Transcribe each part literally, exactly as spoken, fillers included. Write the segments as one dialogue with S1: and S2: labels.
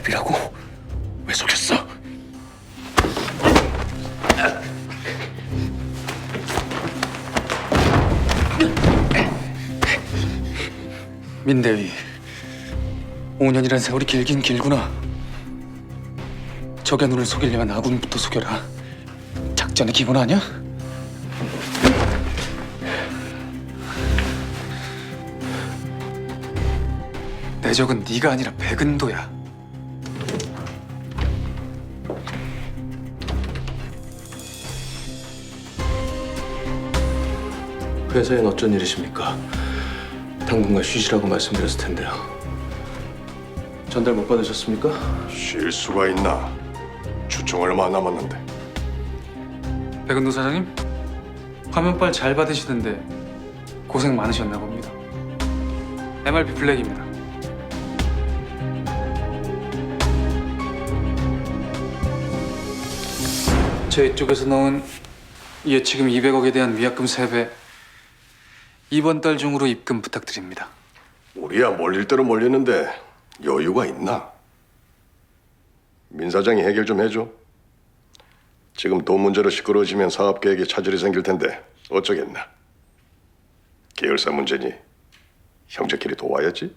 S1: 엠알비라고? 왜 속였어? 민대위, 오 년이란 세월이 길긴 길구나. 적의 눈을 속이려면 아군부터 속여라. 작전의 기본 아니야? 내 적은 네가 아니라 백은도야.
S2: 회사엔 어쩐 일이십니까? 당분간 쉬시라고 말씀드렸을 텐데요. 전달 못 받으셨습니까?
S3: 쉴 수가 있나? 추청 얼마 남았는데.
S1: 백은도 사장님, 화면빨 잘 받으시던데 고생 많으셨나 봅니다. 엠알비 블랙입니다. 제 쪽에서 넣은 예치금 이백억에 대한 위약금 세 배, 이번 달 중으로 입금 부탁드립니다.
S3: 우리야 몰릴 대로 몰리는데 여유가 있나? 민 사장이 해결 좀 해줘. 지금 돈 문제로 시끄러워지면 사업 계획에 차질이 생길 텐데 어쩌겠나? 계열사 문제니 형제끼리 도와야지.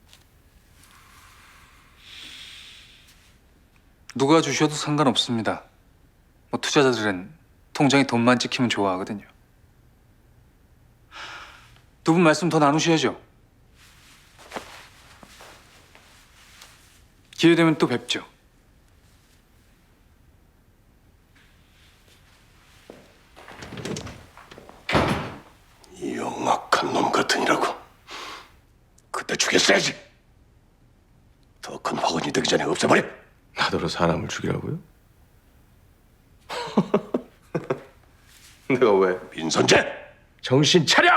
S1: 누가 주셔도 상관없습니다. 뭐 투자자들은 통장에 돈만 찍히면 좋아하거든요. 두 분 말씀 더 나누셔야죠. 기회 되면 또 뵙죠.
S3: 이 영악한 놈 같으니라고. 그때 죽였어야지. 더 큰 화근이 되기 전에 없애버려.
S2: 나더러 사람을 죽이라고요? 내가 왜?
S3: 민선재!
S2: 정신 차려!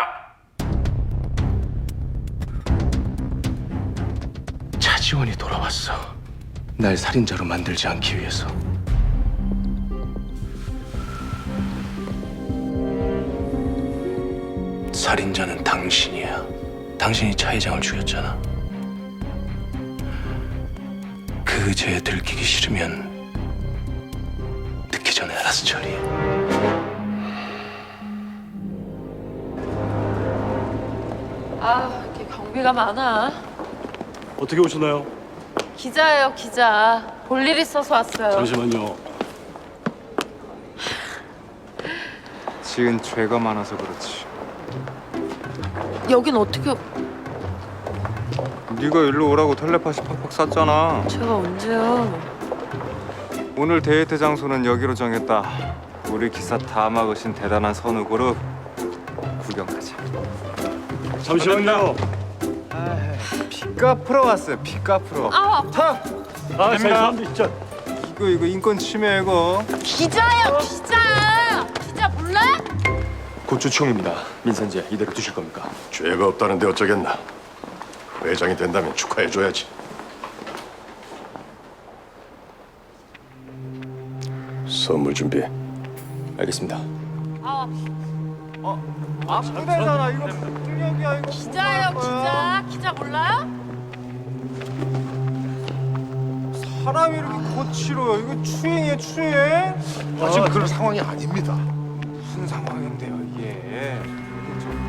S2: 차지원이 돌아왔어. 날 살인자로 만들지 않기 위해서. 살인자는 당신이야. 당신이 차 회장을 죽였잖아. 그 죄에 들키기 싫으면 늦기 전에 알아서 처리해.
S4: 아, 이렇게 경비가 많아.
S5: 어떻게 오셨나요?
S4: 기자예요, 기자. 볼 일 있어서 왔어요.
S5: 잠시만요.
S6: 지은 죄가 많아서 그렇지.
S4: 여긴 어떻게...
S6: 네가 일로 오라고 텔레파시 팍팍 쐈잖아.
S4: 제가 언제요?
S6: 오늘 데이트 장소는 여기로 정했다. 우리 기사 다 막으신 대단한 선우 그룹 구경 가자.
S5: 잠시만요.
S6: 피 갚으러 왔어요. 피 갚으러.
S4: 아, 아파.
S5: 아, 죄송합니다. 진짜.
S6: 이거 이거 인권 침해 이거.
S4: 기자예요, 기자! 기자 몰라?
S2: 고추총입니다. 민선재 이대로 두실 겁니까?
S3: 죄가 없다는데 어쩌겠나? 회장이 된다면 축하해줘야지. 선물 준비해.
S2: 알겠습니다.
S4: 아,
S6: 아프대잖아. 이거 폭력이야 이거.
S4: 기자예요, 기자. 기자 몰라요?
S6: 사람이 이렇게 거칠어요. 이거 추행이에요, 추행.
S3: 지금 그런 상황이 아닙니다.
S6: 무슨 상황인데요, 이게?